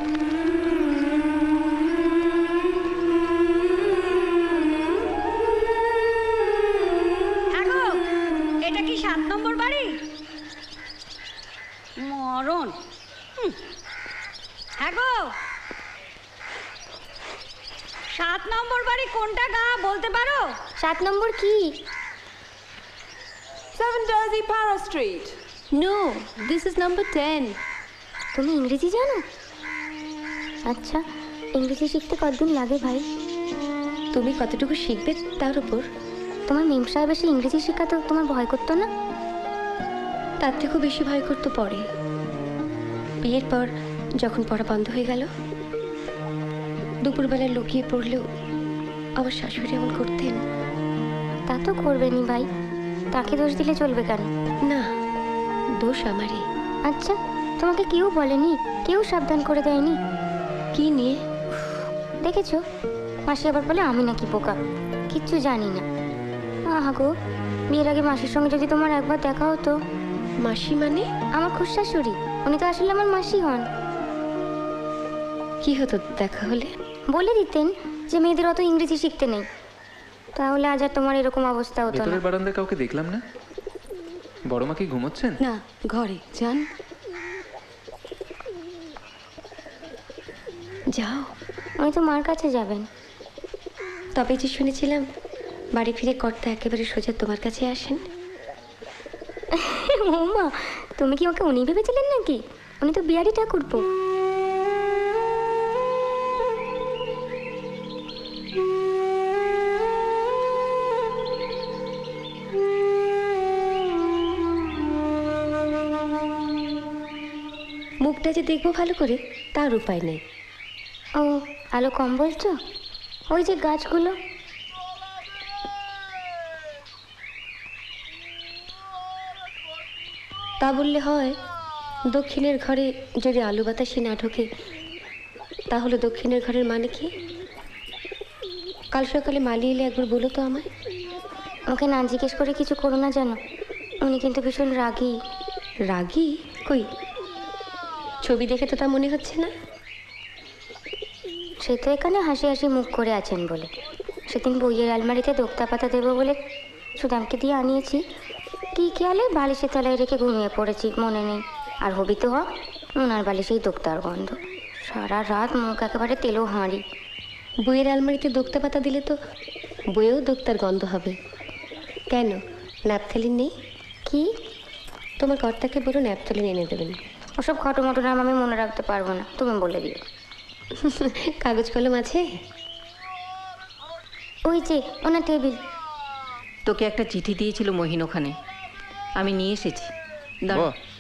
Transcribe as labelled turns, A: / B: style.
A: এটা কি 7 নম্বর বাড়ি? মরণ। হ্যাঁ গো, 7 নম্বর বাড়ি কোনটা গা বলতে পারো?
B: 7 নম্বর কি?
C: 7 Jersey Para Street.
B: No, this is number 10। তুমি ইংরেজি জানো? আচ্ছা, ইংরেজি শিখতে কতদিন লাগে ভাই? তুমি কতটুকু শিখবে তার উপর। তোমার মেম সাহেব এসে ইংরেজি শেখাতো, তোমার ভয় করতো না? তার থেকেও বেশি ভয় করতো পরে, বিয়ের পর যখন পড়া বন্ধ হয়ে গেল। দুপুরবেলায় লুকিয়ে পড়লেও আমার শাশুড়ি এমন করতেন। তা তো করবেনি ভাই, তাকে দোষ দিলে চলবে কেন? না, দোষ আমারই। আচ্ছা, তোমাকে কেউ বলেনি? কেউ সাবধান করে দেয়নি? কি নিয়ে? দেখেছো, মাসি আবার বলে আমি নাকি বোকা, কিচ্ছু জানি না। আহা গো, বিয়ের আগে মাসির সঙ্গে যদি তোমার একবার দেখা হতো। মাসি মানে? আমার খুড়শাশুড়ি, উনি তো আসলে আমার মাসি হন। কি হতো দেখা হলে? বলে দিতেন যে মেয়েদের অত ইংরেজি শিখতে নেই, তাহলে আজ আর তোমার এরকম অবস্থা হতো না।
D: ভেতরের বারান্দায় কাউকে দেখলাম না। বড় মা কি ঘুমোচ্ছেন?
C: না, ঘরে যান।
B: যাও, আমি তো মার কাছে যাবেন। তবে যে শুনেছিলাম বাড়ি ফিরে কর্তা একেবারে সোজা তোমার কাছে আসেন। মা, তুমি কি ওকে উনি ভেবেছিলেন নাকি? উনি তো বিহারি ঠাকুরপো। মুখটা যে দেখবো ভালো করে তার উপায় নেই। ও, আলো কম বলছো? ওই যে গাছগুলো। তা বললে হয়? দক্ষিণের ঘরে যদি আলো বাতাসে না ঢোকে, তাহলে দক্ষিণের ঘরের মানে কি? কাল সকালে মালি এলে একবার বলো তো আমায়। ওকে না জিজ্ঞেস করে কিছু করো না, জানো উনি কিন্তু ভীষণ রাগী। রাগী? কই, ছবি দেখে তো তা মনে হচ্ছে না। সে তো এখানে হাসি হাসি মুখ করে আছেন বলে। সেদিন বইয়ের আলমারিতে দোক্তা পাতা দেবো বলে সুদামকে দিয়ে আনিয়েছি, কি খেয়ালে বালিশের তলায় রেখে ঘুমিয়ে পড়েছি, মনে নেই। আর হবি তো হক, ওনার বালিশেই দোক্তার গন্ধ। সারা রাত মুখ একেবারে তেলো হাঁড়ি। বইয়ের আলমারিতে দোক্তা পাতা দিলে তো বইয়েও দোক্তার গন্ধ হবে। কেন, ন্যাপথলিন নেই? কি? তোমার কর্তাকে বলো ন্যাপথলিন এনে দেবেন। ওসব খটোমটো নাম আমি মনে রাখতে পারবো না, তুমি বলে দিও। কাগজ কলম আছে? ওই যে ওনার টেবিল।
E: তোকে একটা চিঠি দিয়েছিল মহিন ওখানে, আমি নিয়ে এসেছি। দাঁড়া।
D: বাহ,